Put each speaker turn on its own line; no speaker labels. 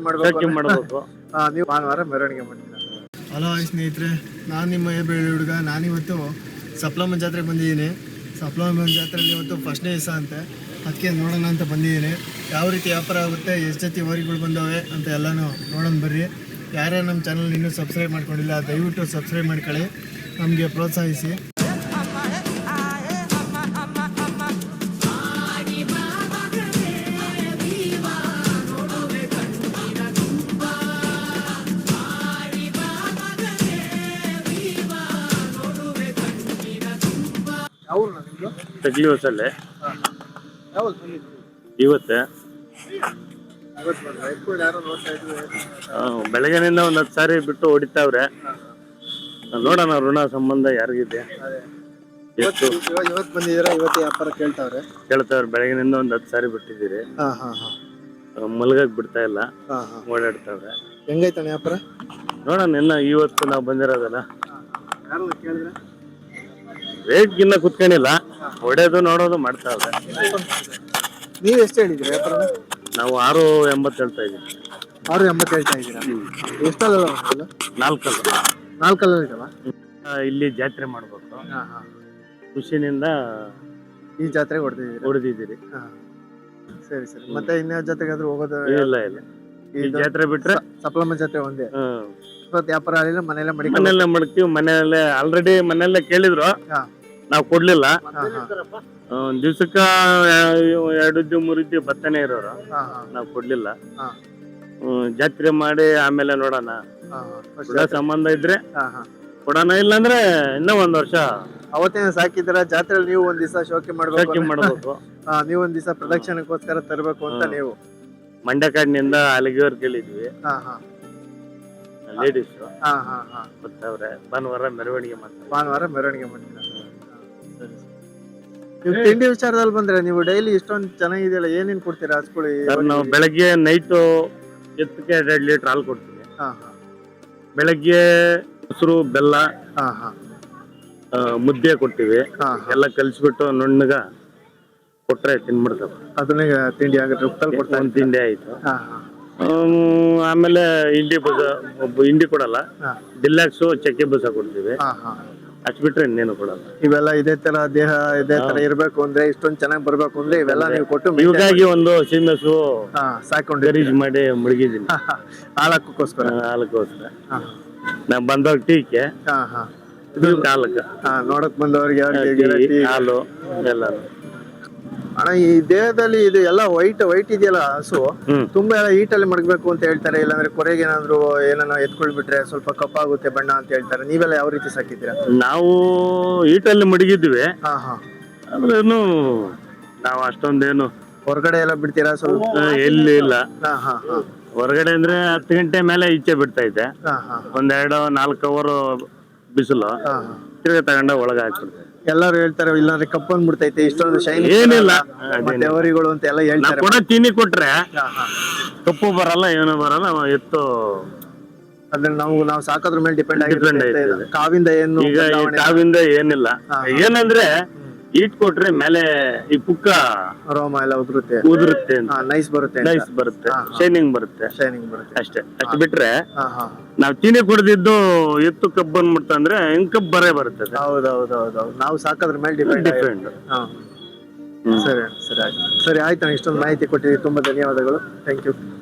ಶೋಕಿ ಮಾಡಬೇಕು.
ನೀವು ಭಾನುವಾರ ಮೆರವಣಿಗೆ ಮಾಡ್ತೀರಾ. ಹಲೋ ಸ್ನೇಹಿತರೆ, ನಾನು ನಿಮ್ಮ ಬೆಳ್ಳಿ ಹುಡುಗ. ನಾನಿವತ್ತು ಸಪ್ಲಮ್ಮ ಜಾತ್ರೆಗೆ ಬಂದಿದ್ದೀನಿ. ಸಪ್ಲಮ್ಮ ಜಾತ್ರೆಯಲ್ಲಿ ಇವತ್ತು ಫಸ್ಟ್ನೇ ದಿವಸ ಅಂತೆ, ಅದಕ್ಕೆ ನೋಡೋಣ ಅಂತ ಬಂದಿದ್ದೀನಿ. ಯಾವ ರೀತಿ ವ್ಯಾಪಾರ ಆಗುತ್ತೆ, ಎಷ್ಟು ಜೊತೆ ವರಿಗಳು ಬಂದವೆ ಅಂತ ಎಲ್ಲನೂ ನೋಡೋಣ ಬರ್ರಿ. ಯಾರ್ಯಾರು ನಮ್ಮ ಚಾನಲ್ ಇನ್ನೂ ಸಬ್ಸ್ಕ್ರೈಬ್ ಮಾಡ್ಕೊಂಡಿಲ್ಲ ದಯವಿಟ್ಟು ಸಬ್ಸ್ಕ್ರೈಬ್ ಮಾಡ್ಕೊಳ್ಳಿ, ನಮಗೆ ಪ್ರೋತ್ಸಾಹಿಸಿ.
ತಗ್ಲಿ ಹೊಸಲ್ಲೇ ಇವತ್ತೆ ಬೆಳಗ್ಗೆನಿಂದ ಒಂದು 10 ಸಾರಿ ಬಿಟ್ಟು ಹೊಡಿತಾವ್ರೆ. ನೋಡೋಣ ಋಣ ಸಂಬಂಧ ಯಾರಿಗಿದೆ ಎಷ್ಟು
ಇವತ್ತು ಬಂದಿದ್ದೀರಾ, ಇವತ್ತು ವ್ಯಾಪಾರ
ಕೇಳ್ತಾವ್ರೆ. ಬೆಳಗ್ಗೆನಿಂದ ಒಂದು 10 ಸಾರಿ ಬಿಟ್ಟಿದ್ದೀರಿ, ಮಲ್ಗಕ್ ಬಿಡ್ತಾ ಇಲ್ಲ, ಓಡಾಡ್ತಾವ್ರೆ.
ಹೆಂಗೈತಣ್ಣ ವ್ಯಾಪಾರ?
ನೋಡೋಣ ಇನ್ನ ಇವತ್ತು ನಾವು ಬಂದಿರೋದಲ್ಲ, ರೇಟ್ ಗಿನ್ನ ಕುತ್ಕೊಂಡಿಲ್ಲ, ಹೊಡೆಯೋದು ನೋಡೋದು ಮಾಡ್ತಾವ್ರೆ.
ನೀವು ಎಷ್ಟು ಹೇಳಿದ್ದೀರಿ ವ್ಯಾಪಾರ?
ನಾವು 6.80 ಹೇಳ್ತಾ ಇದ್ದೀವಿ.
6.80 ಹೇಳ್ತಾ ಇದ್ದೀರಾ? ಎಷ್ಟಲ್ಲ? 4 ಇದಾವ.
ಇಲ್ಲಿ ಜಾತ್ರೆ ಮಾಡ್ಬೇಕು, ಖುಷಿನಿಂದ
ಈ ಜಾತ್ರೆಗೆ
ಹೊಡೆದಿದ್ದೀರಿ.
ಸರಿ ಸರಿ. ಮತ್ತೆ ಇನ್ಯಾವ ಜಾತ್ರೆಗಾದ್ರೂ ಹೋಗೋದು?
ಇಲ್ಲ ಇಲ್ಲ, ಈ ಜಾತ್ರೆ ಬಿಟ್ರೆ
ಸಪ್ಲಮ್ಮ ಜಾತ್ರೆ ಒಂದೇ. ಇವತ್ತು ವ್ಯಾಪಾರ ಆಗಲಿಲ್ಲ,
ಮನೆಯಲ್ಲೇ ಮಡ್ತೀವಿ. ಮನೆಯಲ್ಲೇ ಆಲ್ರೆಡಿ ಮನೆಯಲ್ಲೇ ಕೇಳಿದ್ರು, ನಾವು ಕೊಡ್ಲಿಲ್ಲ. ಒಂದ್ ದಿವ್ಸಕ್ಕ 2 ಇದ್ದು 3 ಇದ್ದು ಬರ್ತಾನೆ ಇರೋರು, ನಾವು ಕೊಡ್ಲಿಲ್ಲ. ಜಾತ್ರೆ ಮಾಡಿ ಆಮೇಲೆ ನೋಡೋಣ, ಸಂಬಂಧ ಇದ್ರೆ ಕೊಡೋಣ, ಇಲ್ಲಾಂದ್ರೆ ಇನ್ನೂ 1 ವರ್ಷ.
ಅವತ್ತೇನ ಸಾಕಿದ್ರ ಜಾತ್ರೆಯಲ್ಲಿ ನೀವು ಒಂದ್ ದಿವಸ ಶೋಕಿ ಮಾಡ್ಬೇಕು. ನೀವು ಒಂದ್ ದಿವಸ ಪ್ರದಕ್ಷಿಣಕ್ಕೋಸ್ಕರ ತರಬೇಕು ಅಂತ ನೀವು
ಮಂಡ್ಯ ಕಾಡಿನಿಂದ ಅಲ್ಲಿಗೆವರೆಗೆ ಕೇಳಿದ್ವಿ. ಲೇಡೀಸ್ ಬರ್ತಾವ್ರೆ. ಭಾನುವಾರ ಮೆರವಣಿಗೆ ಮಾಡ್ತೀರಾ?
ನೀವು ತಿಂಡಿ ವಿಚಾರದಲ್ಲಿ ಬಂದ್ರೆ ನೀವು ಡೈಲಿ ಇಷ್ಟೊಂದು ಚೆನ್ನಾಗಿದೆಯಲ್ಲ, ಏನೇನ್ ಕೊಡ್ತೀರಾ ಹಸ್ಕೊಳ್ಳಿ?
ನಾವು ಬೆಳಗ್ಗೆ ನೈಟು ಎತ್ತಕ್ಕೆ 2 ಲೀಟರ್ ಹಾಲು ಕೊಡ್ತೀವಿ. ಬೆಳಗ್ಗೆ ಮೊಸರು ಬೆಲ್ಲ ಮುದ್ದೆ ಕೊಡ್ತೀವಿ. ಎಲ್ಲ ಕಲಿಸ್ಬಿಟ್ಟು ನುಣ್ಣಗ ಕೊಟ್ರೆ ತಿನ್ಬಿಡ್ತಾವ.
ಅದನ್ನ ತಿಂಡಿ ಆಗುತ್ತೆ,
ಒಂದು ತಿಂಡಿ ಆಯ್ತು. ಆಮೇಲೆ ಹಿಂಡಿ ಕೊಡಲ್ಲ, ಡಿಲ್ಲಾಕ್ಸು ಚಕ್ಕೆ ಬೂಸ ಕೊಡ್ತೀವಿ. ಅಷ್ಟು ಬಿಟ್ರೆ ಇನ್ನೇನು ಕೊಡಲ್ಲ.
ಇವೆಲ್ಲ ಇದೇ ತರ ದೇಹ ಇದೇ ತರ ಇರ್ಬೇಕು ಅಂದ್ರೆ, ಇಷ್ಟೊಂದು ಚೆನ್ನಾಗಿ ಬರ್ಬೇಕು ಅಂದ್ರೆ ಇವೆಲ್ಲ ನೀವು ಕೊಟ್ಟು
ಇವಾಗಿ ಒಂದು ಸೀಮೆಸು
ಸಾಕೊಂಡು
ಗರೀಜ್ ಮಾಡಿ ಮುಳುಗಿದ್ದೀನಿ.
ಹಾಲಕ್ಕೋಸ್ಕರ
ನಾ ಬಂದವಾಗ ಟೀಕೆ ಹಾಲಕ್ಕೆ
ನೋಡಕ್ ಬಂದವ್ರಿಗೆ
ಹಾಲು ಎಲ್ಲ.
ಅಣ್ಣ, ಈ ದೇಹದಲ್ಲಿ ಇದು ಎಲ್ಲ ವೈಟ್ ಇದೆಯಲ್ಲ ಹಸು, ತುಂಬಾ ಎಲ್ಲ ಹೀಟಲ್ಲಿ ಮಡಗಬೇಕು ಅಂತ ಹೇಳ್ತಾರೆ. ಇಲ್ಲಾಂದ್ರೆ ಕೊರೆಗೆ ಏನಾದ್ರು ಏನನ್ನ ಎತ್ಕೊಳ್ಬಿಟ್ರೆ ಸ್ವಲ್ಪ ಕಪ್ಪಾಗುತ್ತೆ ಬಣ್ಣ ಅಂತ ಹೇಳ್ತಾರೆ. ನೀವೆಲ್ಲ ಯಾವ ರೀತಿ ಸಾಕಿದ್ದೀರಾ?
ನಾವು ಹೀಟಲ್ಲಿ ಮಡಗಿದ್ವಿ, ಅಂದ್ರೇನು ನಾವು ಅಷ್ಟೊಂದೇನು
ಹೊರಗಡೆ ಎಲ್ಲ ಬಿಡ್ತೀರಾ? ಸ್ವಲ್ಪ
ಎಲ್ಲಿ ಇಲ್ಲ. ಹೊರಗಡೆ ಅಂದ್ರೆ 10 ಗಂಟೆ ಮೇಲೆ ಈಚೆ ಬಿಡ್ತಾ ಇದ್ದೆ. 1-4 ಅವರ್ ಬಿಸಿಲು, ತಿರ್ಗಿ ತಗೊಂಡ ಒಳಗೆ ಹಾಕ್ಬಿಡ್ತೇವೆ.
ಎಲ್ಲರೂ ಹೇಳ್ತಾರೆ ಇಲ್ಲಾಂದ್ರೆ ಕಪ್ಪು ಅಂದ್ಬಿಡ್ತೈತೆ, ಇಷ್ಟೊಂದು ಶೈನ್
ಏನಿಲ್ಲ
ಅವರಿಗಳು ಅಂತ ಎಲ್ಲ ಹೇಳ್ತಾರೆ.
ಕೂಡ ತಿನ್ನಿ ಕೊಟ್ರೆ ಕಪ್ಪು ಬರಲ್ಲ, ಏನು ಬರಲ್ಲ. ಎತ್ತು
ಅದ್ರ ನಾವು ಸಾಕೋದ್ರ ಮೇಲೆ ಡಿಪೆಂಡ್ ಆಗಿರುತ್ತೆ. ಕಾವಿಂದ ಏನು
ಈಗ ಕಾವಿಂದ ಏನಿಲ್ಲ. ಏನಂದ್ರೆ ಈಟ್ ಕೊಟ್ರೆ ಮೇಲೆ ಈ ಪುಕ್ಕ
ರೋಮ ಎಲ್ಲ
ಉದುರುತ್ತೆ,
ನೈಸ್ ಬರುತ್ತೆ,
ಶೈನಿಂಗ್ ಬರುತ್ತೆ ಅಷ್ಟೇ. ಅಷ್ಟು ಬಿಟ್ರೆ ನಾವ್ ಚೀನಿ ಕುಡ್ದಿದ್ದು ಎತ್ತು ಕಬ್ಬು ಅಂದ್ಬಿಡ್ತಂದ್ರೆ ಹೆಂಗ್ ಕಬ್ಬು ಬರುತ್ತೆ.
ಹೌದೌದೌದು, ನಾವು ಸಾಕೋದ್ರ ಮೇಲೆ ಡಿಪೆಂಡ್. ಸರಿ ಸರಿ ಆಯ್ತು. ಇಷ್ಟೊಂದು ಮಾಹಿತಿ ಕೊಟ್ಟಿದ್ದೀವಿ, ತುಂಬಾ ಧನ್ಯವಾದಗಳು. Thank you.